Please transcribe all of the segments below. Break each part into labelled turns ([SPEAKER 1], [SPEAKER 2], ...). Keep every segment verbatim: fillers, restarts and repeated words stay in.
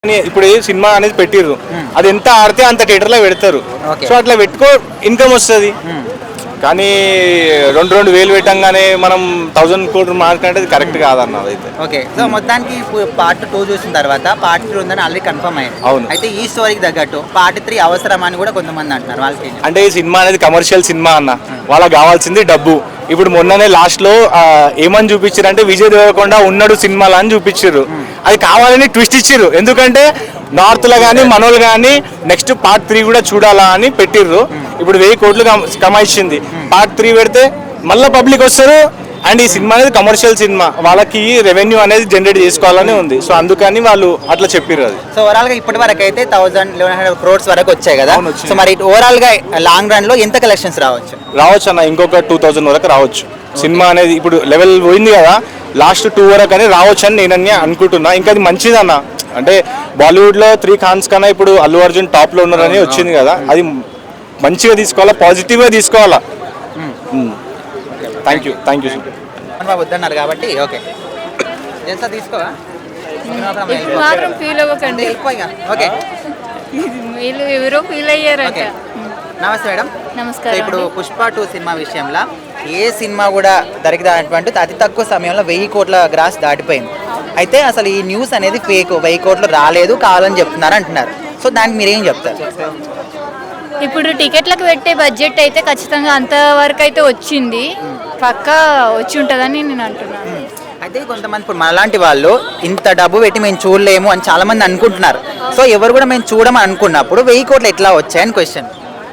[SPEAKER 1] ఇప్పుడు సినిమా అనేది పెట్టిర్రు, అది ఎంత ఆడితే అంత థియేటర్ లో పెడతారు. సో అట్లా పెట్టుకో ఇన్కమ్ వస్తుంది. కానీ రెండు రెండు వేలు పెట్టంగానే మనం థౌసండ్ కోట్లు మార్కంటే కరెక్ట్ కాదన్న. అయితే
[SPEAKER 2] ఓకే, సో మొత్తానికి పార్ట్ టూ చూసిన తర్వాత పార్ట్ త్రీ ఉందని ఆల్రెడీ కన్ఫర్మ్ అయ్యింది.
[SPEAKER 1] అవును.
[SPEAKER 2] అయితే ఈ స్టోరీకి తగ్గట్టు పార్ట్ త్రీ అవసరం అని కూడా కొంతమంది అంటున్నారు. వాళ్ళకి
[SPEAKER 1] అంటే ఈ సినిమా అనేది కమర్షియల్ సినిమా అన్న, వాళ్ళకి కావాల్సింది డబ్బు. ఇప్పుడు మొన్ననే లాస్ట్ లో ఏమని చూపించారు అంటే విజయ్ దేవరకొండ ఉన్నాడు సినిమాలో అని చూపించారు. అది కావాలని ట్విస్ట్ ఇచ్చారు, ఎందుకంటే నార్త్ లో కానీ మనోళ్ళు కానీ నెక్స్ట్ పార్ట్ త్రీ కూడా చూడాలా అని పెట్టిర్రు. ఇప్పుడు వెయ్యి కోట్లు కమాయించింది, పార్ట్ త్రీ పెడితే మళ్ళీ పబ్లిక్ వస్తారు. అండ్ ఈ సినిమా అనేది కమర్షియల్ సినిమా, వాళ్ళకి రెవెన్యూ అనేది జనరేట్ చేసుకోవాలని ఉంది. సో అందుకని వాళ్ళు అట్లా చెప్పారు. అది
[SPEAKER 2] సో ఓవరాల్ గా ఇప్పటి వరకు అయితే థౌసండ్ లెవెన్ హండ్రెడ్ క్రోడ్స్ వరకు వచ్చాయి కదా. సో మరి ఓవరాల్ గా లాంగ్ రన్ లో ఎంత కలెక్షన్స్ రావచ్చు?
[SPEAKER 1] రావచ్చు అన్న, ఇంకొక టూ థౌసండ్ వరకు రావచ్చు. సినిమా అనేది ఇప్పుడు లెవెల్ పోయింది కదా, లాస్ట్ టూ వరకు అని రావచ్చు అని నేను అనుకుంటున్నా. ఇంకా అది మంచిది అన్న, అంటే బాలీవుడ్ లో త్రీ ఖాన్స్ కన్నా ఇప్పుడు అల్లు అర్జున్ టాప్ లో ఉన్నారని వచ్చింది కదా, అది మంచిగా తీసుకోవాలా, పాజిటివ్ గా తీసుకోవాలా. థ్యాంక్ యూ థ్యాంక్ యూ
[SPEAKER 2] బాబు వద్దన్నారు కాబట్టి ఓకే తీసుకోవా
[SPEAKER 3] ఫీల్ అవ్వకండి.
[SPEAKER 2] ఓకే,
[SPEAKER 3] వీళ్ళు ఎవరో ఫీల్ అయ్యారంట.
[SPEAKER 2] నమస్తే మేడం.
[SPEAKER 3] నమస్కారం.
[SPEAKER 2] ఇప్పుడు పుష్ప టూ సినిమా విషయంలో ఏ సినిమా కూడా దొరికినటువంటి అతి తక్కువ సమయంలో వెయ్యి కోట్ల గ్రాస్ దాటిపోయింది. అయితే అసలు ఈ న్యూస్ అనేది ఫేక్, వెయ్యి కోట్లు రాలేదు కావాలని చెప్తున్నారు అంటున్నారు. సో దానికి మీరేం చెప్తారు?
[SPEAKER 3] ఇప్పుడు టికెట్లకు పెట్టే బడ్జెట్ అయితే ఖచ్చితంగా అంతవరకు అయితే వచ్చింది, పక్కా వచ్చి ఉంటుందని నేను అంటున్నాను.
[SPEAKER 2] అయితే కొంతమంది ఇప్పుడు మనలాంటి వాళ్ళు ఇంత డబ్బు పెట్టి మేము చూడలేము అని చాలా మంది అనుకుంటున్నారు. సో ఎవరు కూడా మేము చూడమని అనుకున్నప్పుడు వెయ్యి కోట్లు ఎట్లా వచ్చాయని క్వశ్చన్.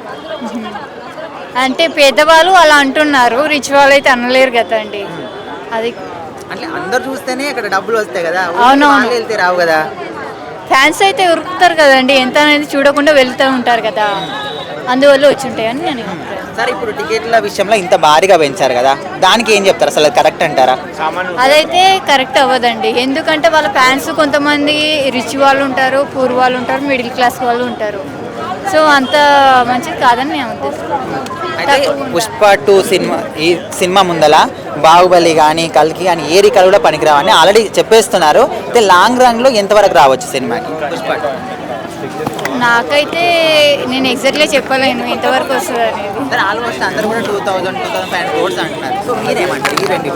[SPEAKER 3] అంటే పేదవాళ్ళు అలా అంటున్నారు, రిచ్ వాళ్ళు అయితే అనలేరు కదండి. అది
[SPEAKER 2] అంటే అందరు చూస్తేనే అక్కడ డబ్బులు వస్తాయి కదా,
[SPEAKER 3] అవునవును,
[SPEAKER 2] వెళ్తే రావు కదా.
[SPEAKER 3] ఫ్యాన్స్ అయితే ఉరుకుతారు కదండి, ఎంత అనేది చూడకుండా వెళ్తూ ఉంటారు కదా, అందువల్ల వచ్చి ఉంటాయని నేను.
[SPEAKER 2] సరే, ఇప్పుడు టికెట్ల విషయంలో ఇంత భారీగా పెంచారు కదా, దానికి ఏం చెప్తారు? అసలు కరెక్ట్ అంటారా?
[SPEAKER 3] అదైతే కరెక్ట్ అవ్వదండి, ఎందుకంటే వాళ్ళ ఫ్యాన్స్ కొంతమంది రిచ్ వాళ్ళు ఉంటారు, పూర్ వాళ్ళు ఉంటారు, మిడిల్ క్లాస్ వాళ్ళు ఉంటారు. సో అంత మంచిది కాదని నేను ఉద్దేశం.
[SPEAKER 2] అయితే పుష్ప టూ సినిమా ఈ సినిమా ముందల బాహుబలి కానీ కల్కి కానీ ఏ రికార్డు కూడా పనికిరావని ఆల్రెడీ చెప్పేస్తున్నారు. అయితే లాంగ్ రన్ లో ఎంతవరకు రావచ్చు సినిమాకి పుష్ప టూ?
[SPEAKER 3] నాకైతే నేను ఎగ్జాక్ట్గా చెప్పలేను ఎంతవరకు వస్తుంది అనేది.
[SPEAKER 2] ఆల్మోస్ట్ అందరూ కూడా two thousand two thousand five hundred అంటున్నారు. సో మీరేమంటారు ఈ రెండు?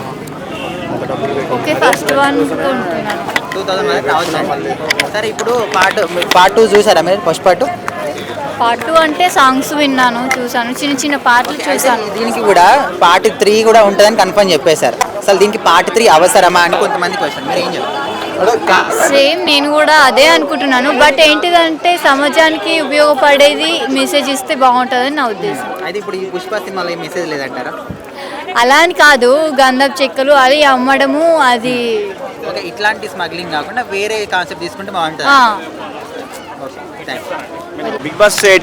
[SPEAKER 3] ఓకే, ఫస్ట్ వన్ ఉంటున్నాను
[SPEAKER 2] టూ థౌసండ్ వరకు రావచ్చు. సరే, ఇప్పుడు పార్ట్ పార్ట్ టూ చూసారా మీరు? పుష్ప టూ
[SPEAKER 3] పార్ట్ టూ అంటే సాంగ్స్ విన్నాను, చూసాను, చిన్న చిన్న పాటలు చూసాను.
[SPEAKER 2] దీనికి కూడా పార్ట్ త్రీ కూడా ఉంటుందని కన్ఫర్మ్ చెప్పేశారు. అసలు దీనికి పార్ట్ త్రీ అవసరమా అని కొంతమంది క్వశ్చన్, మీరు ఏం చెప్తారు?
[SPEAKER 3] సేమ్ నేను కూడా అదే అనుకుంటున్నాను. బట్ ఏంటిదంటే సమాజానికి ఉపయోగపడేది మెసేజ్ ఇస్తే బాగుంటుందని నా ఉద్దేశం.
[SPEAKER 2] అయితే ఇప్పుడు ఈ పుష్ప సినిమాలో ఏ మెసేజ్ లేదంటారా?
[SPEAKER 3] అలా అని కాదు, గంధపు చెక్కలు అది అమ్మడము, అది
[SPEAKER 2] ఓకే, ఇట్లాంటి స్మగ్లింగ్ కాకుండా వేరే కాన్సెప్ట్ తీసుకుంటే బాగుంటుంది.
[SPEAKER 3] ఆ
[SPEAKER 1] బిగ్ బాస్